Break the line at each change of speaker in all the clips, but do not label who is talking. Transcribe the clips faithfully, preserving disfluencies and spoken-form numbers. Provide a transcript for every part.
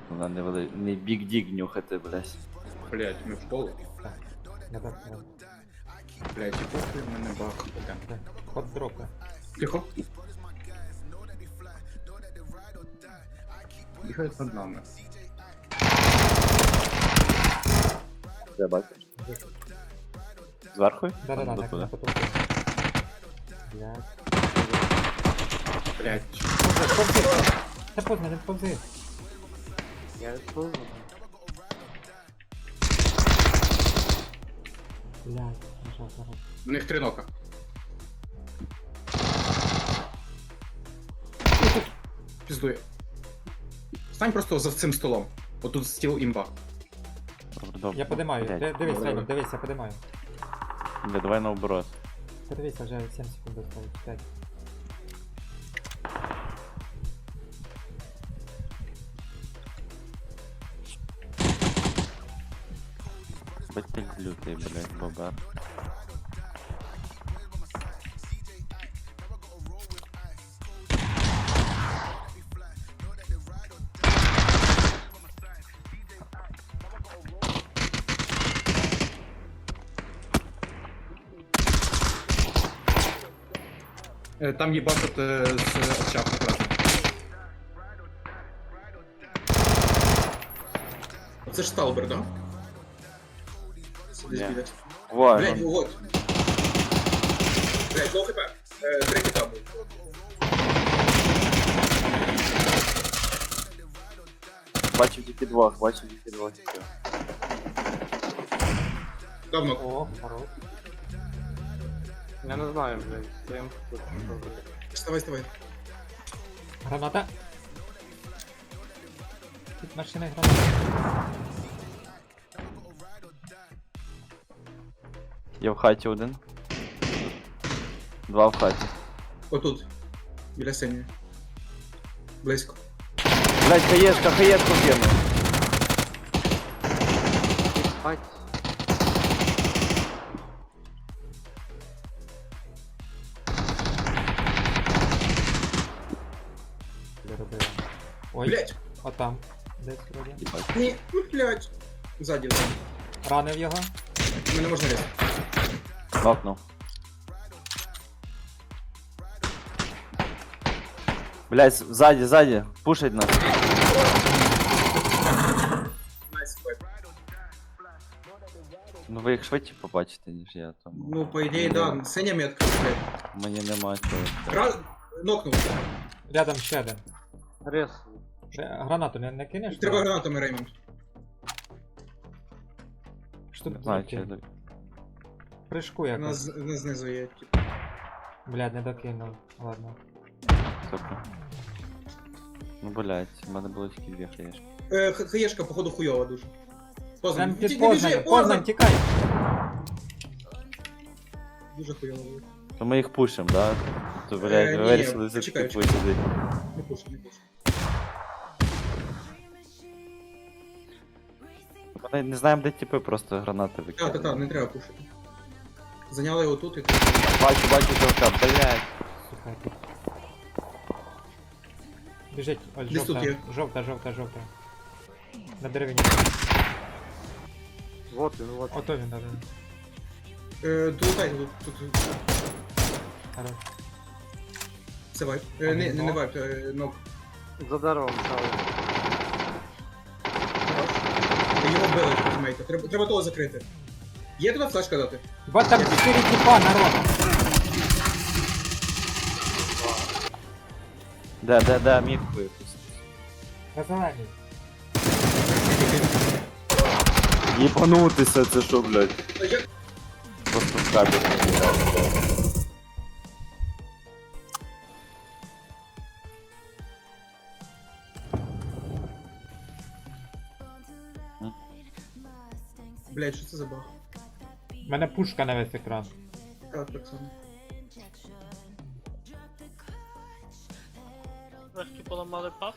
Вона не вели... не бік-дік нюхати, блядь.
Блять, ми в школу.
Так. Я так не
Блять, і похуй в мене бах. Там.
Ход дропи.
Тихо. Бігають над нами.
Де бачиш? Зверху?
Да-да-да,
Там
на
до туди.
на потолку. Блядь.
Блять.
Повзи! Та поздно, не повзи.
Я відповзу.
Блядь, нажав зараз.
У них три нока. Піздує. Стань просто за цим столом. Отут стіл імба.
Добре, добре.
Я подимаю.
Блядь.
Ди- Дивись,
Добре,
Рейвен,
добре.
дивись, я подимаю.
Бля, давай наоборот.
Подивися, вже сім секунд осталось. п'ять.
Бать лютий, блядь, бобер.
Е, Там їбашать е, з очах якраз. Це ж Сталбер, да? Сидиш
Ні.
біля.
Во,
Блять,
ну,
вот. Блять, лоу хп. Е, Три кита був.
бачив тільки двох, бачив тільки двох. і все.
Давно.
О, хорош.
Я не знаю, блядь, стоїм тут.
Вставай, вставай.
Граната. Тут машини граната.
Я в хаті один. Два в хаті.
Отут. Біля синьої. Близько.
Блядь, хаєшка, хаєшку кинув. Бать.
Робила. Ой,
Блять.
отам. Десь вроді.
Їбать.
Ні, ну блять. Ззаді. ззаді.
Ранив його.
Мене можна різати.
Нокнув. Блядь, ззаді, ззаді. Пушить нас.
Найс, файт.
Ну ви їх швидше побачите, ніж я, тому.
Ну, по ідеї, да. Синя метка, блять.
Мені нема чого.
Гра... Нокнув.
Рядом ще один.
Рез.
Е, Гранату не, не кинеш?
Треба гранатами, Реймонд.
Що тут
Не знаю, чи
докинув?
я...
Прыжку
Вона
якось.
з- вона знизу є, типу.
Блядь, не докинув. Ладно.
Сука. Ну, блядь, в мене було тільки дві хаєшки.
Е, х- хаєшка, походу, хуйова дуже. Познань.
Прям під
Ті- не біжи,
Познань, Познань, тікай!
Дуже хуйово було.
То ми їх пушимо, да? То, блядь,
Е,
ви
ні,
вирішили за
почекай,
таки сидить.
Не пушу, не пушу.
Ми не знаємо, де типи, просто гранати
Так,
викидають.
так, так, не треба пушити. Зайняли його тут і тут.
Бачу, бачу толка, блядь.
Сука. Біжить, ось
Десь тут
жовта,
є.
жовта, жовта, жовта. На деревині.
Вот він, вот.
Ото він, даже.
Е, долутайте тут, тут.
Хорош.
Це вайп. Е, не, не, не вайп, е, нок.
За деревом стали.
Хорош. Е, Його вбили, тімейта. Треба, треба того закрити. Є туди флешка дати?
Ба там чотири тіпа, народ!
Де, де, де, мітку якусь.
На зеленій.
Єбанутися, це що, блядь?
Та як?
Просто в кабель.
Блять, що це за баг?
У мене пушка на весь екран.
Так, так само.
Трошки поламали пав.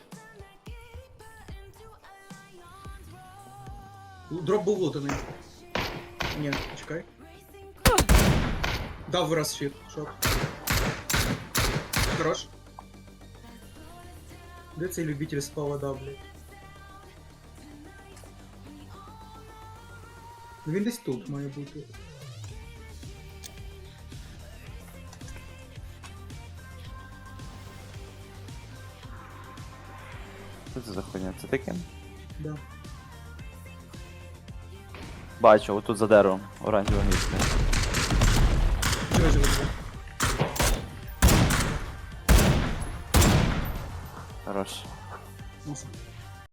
Дроп був лутаний. Ні, чекай. Дав вираз щит, шот. Хорош. Де цей любитель спава дав, блядь? Ну він десь тут має бути.
Що це за хуйня? Це таке?
Да.
Бачу, отут за деревом, оранжеве місце.
Живе, живе, живе.
Хорош.
Носа.